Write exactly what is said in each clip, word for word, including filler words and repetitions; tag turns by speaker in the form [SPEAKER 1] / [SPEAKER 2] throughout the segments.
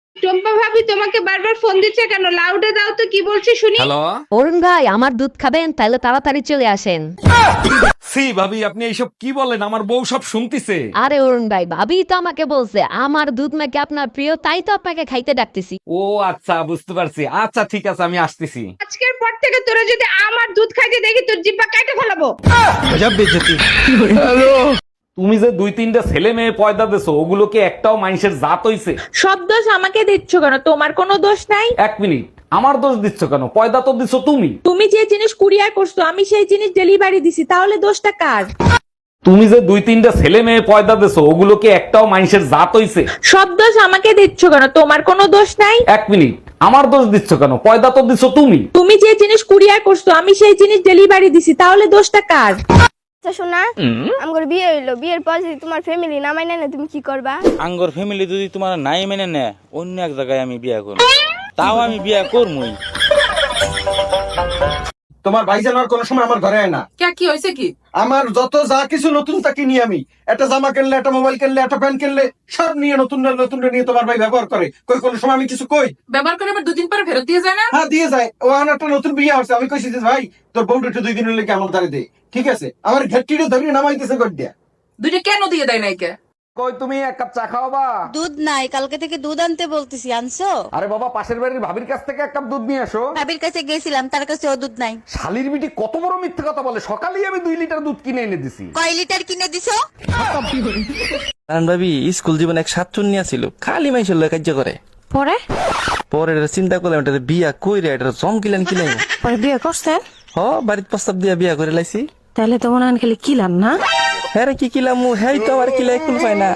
[SPEAKER 1] টম্পা ভাবি তোমাকে বারবার ফোন দিচ্ছে কেন? লাউডে দাও তো, কি বলছি শুনি।
[SPEAKER 2] হ্যালো।
[SPEAKER 3] অরুণ ভাই, আমার দুধ খাবেন? তাহলে তাড়াতাড়ি চলে আসেন।
[SPEAKER 2] সি ভাবি, আপনি এইসব কি বলেন? আমার বউ সব শুনতিছে।
[SPEAKER 3] আরে অরুণ ভাই, ভাবি তো আমাকে বলছে আমার দুধ নাকি আপনার প্রিয়, তাই তো আপনাকে খাইতে ডাকতেছি।
[SPEAKER 2] ও আচ্ছা, বুঝতে পারছি। আচ্ছা ঠিক আছে, আমি আসতেছি।
[SPEAKER 1] আজকের পর থেকে তোরা যদি আমার দুধ খাইতে দেখি তোর জিব্বা কাটে ফেলাবো।
[SPEAKER 2] তুমি যে দুই তিনটা ছেলে মেয়ে পয়দা দেছো, ওগুলো কি একটাও মানুষের জাত হইছে?
[SPEAKER 1] সব দোষ আমাকে দিচ্ছ কেন? তোমার কোনো দোষ নাই।
[SPEAKER 2] এক মিনিট, আমার দোষ দিচ্ছ কেন? পয়দা তো দিছো তুমি।
[SPEAKER 1] তুমি যে জিনিস কুরিয়ার করছো আমি সেই জিনিস ডেলিভারি দিছি, তাহলে দোষটা কার?
[SPEAKER 2] তুমি যে দুই তিনটা ছেলে মেয়ে পয়দা দেছো, ওগুলো কি একটাও মানুষের জাত হইছে?
[SPEAKER 1] সব দোষ আমাকে দিচ্ছ কেন? তোমার কোনো দোষ নাই।
[SPEAKER 2] এক মিনিট, আমার দোষ দিচ্ছ কেন? পয়দা তো দিছো তুমি।
[SPEAKER 1] তুমি যে জিনিস কুরিয়ার করছো আমি সেই জিনিস ডেলিভারি দিছি, তাহলে দোষটা কার?
[SPEAKER 4] আচ্ছা শোনা, আমার বিয়ে হইলো, বিয়ের পর যদি তোমার ফ্যামিলি না মাইনে না তুমি কি করবা?
[SPEAKER 5] আঙ্গর ফ্যামিলি যদি তোমার নাই মেনে নেয়, অন্য এক জায়গায় আমি বিয়া করব। তাও আমি বিয়া করবই।
[SPEAKER 6] তোমার ভাইজান আর কোনো সময় আমার ঘরে আয় না।
[SPEAKER 7] কে কি হয়েছে কি?
[SPEAKER 6] আমার যত যা কিছু নতুন তা কিনি আমি। একটা জামা কিনলে, একটা মোবাইল কিনলে, একটা প্যান্ট কিনলে, সব নিয়ে নতুন নতুন নিয়ে তোমার ভাই ব্যবহার করে। কই কোনো সময় আমি কিছু কই?
[SPEAKER 7] ব্যবহার করে আবার দুদিন পরে ফেরত দিয়ে যায় না?
[SPEAKER 6] হ্যাঁ দিয়ে যায়। ও আমার একটা নতুন বিয়ে হচ্ছে, আমি কইছি যে ভাই তোর বউটা একটু দুই দিন হলে কি আমার দ্বারে দে। ঠিক আছে, আমার ঘেটটিটা ধরিয়ে নামাইতেছে গড় দিয়া।
[SPEAKER 7] দুইটা কেন দিয়ে দেয় নাই কে?
[SPEAKER 2] কই তুমি এক কাপ চা খাওয়াবা?
[SPEAKER 8] দুধ নাই, কালকে থেকে দুধ আনতে বলতেছি, আনছো?
[SPEAKER 2] আরে বাবা, পাশের বাড়ির ভাবির কাছ থেকে এক কাপ দুধ নিয়ে আসো।
[SPEAKER 8] ভাবির কাছে গেছিলাম, তার কাছে ও দুধ নাই।
[SPEAKER 2] শালির বিটি কত বড় মিথ্যে কথা বলে! সকালেই আমি দুই লিটার দুধ কিনে এনে দিছি।
[SPEAKER 8] কয় লিটার কিনে দিছো?
[SPEAKER 5] কারণ ভাবি স্কুল জীবন এক সাতচুন্নি ছিল, খালি মাইসের লয় কার্য করে।
[SPEAKER 8] পরে
[SPEAKER 5] পরে এটা চিন্তা করলাম, এটা বিয়া কইরে এটা জম কিলেন কিলেন।
[SPEAKER 8] পরে বিয়ে করছেন?
[SPEAKER 5] হ, বাড়ির প্রস্তাব দিয়া বিয়া করে লাইছি।
[SPEAKER 8] তাহলে তো মনে হয় খালি কিলান না।
[SPEAKER 5] হ্যাঁ রে, কি কিলাম? হ্যাঁ তো আবার কিলাই কুল পায় না।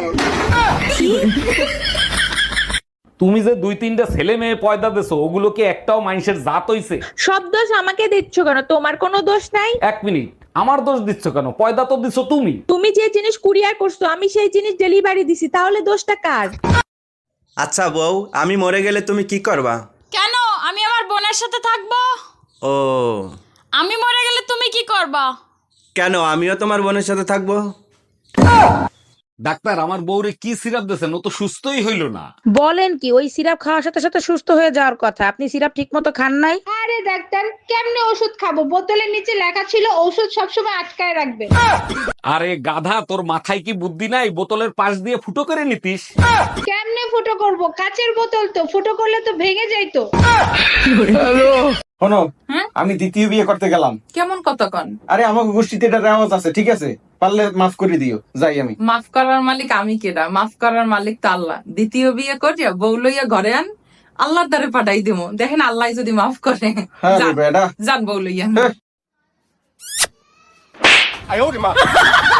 [SPEAKER 2] তুমি যে দুই তিনটা ছেলে মেয়ে পয়দা দেছো, ওগুলো কি একটাও মানুষের জাত হইছে?
[SPEAKER 1] সব দোষ আমাকে দিচ্ছ কেন? তোমার কোনো দোষ নাই।
[SPEAKER 2] এক মিনিট, আমার দোষ দিচ্ছ কেন? পয়দা তো দিছো তুমি।
[SPEAKER 1] তুমি যে জিনিস কুরিয়ার করছো আমি সেই জিনিস ডেলিভারি দিছি, তাহলে দোষটা কার?
[SPEAKER 9] আচ্ছা বউ, আমি মরে গেলে তুমি কি করবা?
[SPEAKER 10] কেন? আমি আমার বোনের সাথে থাকবো।
[SPEAKER 9] ও,
[SPEAKER 10] আমি মরে গেলে তুমি কি করবা?
[SPEAKER 9] কেন আমিও তোমার বোনের সাথে থাকবো?
[SPEAKER 2] ডাক্তার, আমার বউরে কি সিরাপ দিয়েছেন? ও তো সুস্থই হইল না।
[SPEAKER 11] বলেন কি? ওই সিরাপ খাওয়ার সাথে সাথে সুস্থ হয়ে যাওয়ার কথা, আপনি সিরাপ ঠিক মতো খান নাই।
[SPEAKER 1] আরে ডাক্তার, কেমনে ওষুধ খাবো? বোতলের নিচে লেখা ছিল ওষুধ সবসময় আটকায় রাখবে।
[SPEAKER 2] আরে গাধা, তোর মাথায় কি বুদ্ধি নাই? বোতলের পাশ দিয়ে ফুটো করে নিতিস।
[SPEAKER 1] কেমনে ফুটো করব? কাচের বোতল তো, ফুটো করলে তো ভেঙে যাইতো।
[SPEAKER 6] শোনো, আমি দ্বিতীয় বিয়ে করতে গেলাম।
[SPEAKER 7] কেমন কথা কন?
[SPEAKER 6] আরে আমার গোষ্ঠীতে এটা রেওয়াজ আছে, ঠিক আছে? পারলে মাফ করে দিও, যাই আমি।
[SPEAKER 7] মাফ করার মালিক আমি কেডা? মাফ করার মালিক তো আল্লাহ। দ্বিতীয় বিয়ে করিয়া বউ লইয়া ঘরে আন, আল্লাহর দ্বারে পাঠাই দেবো, দেখেন আল্লাহ যদি মাফ করে।
[SPEAKER 6] হ্যাঁ রে
[SPEAKER 7] যান,
[SPEAKER 6] বেটা।
[SPEAKER 7] যান বউ লইয়া।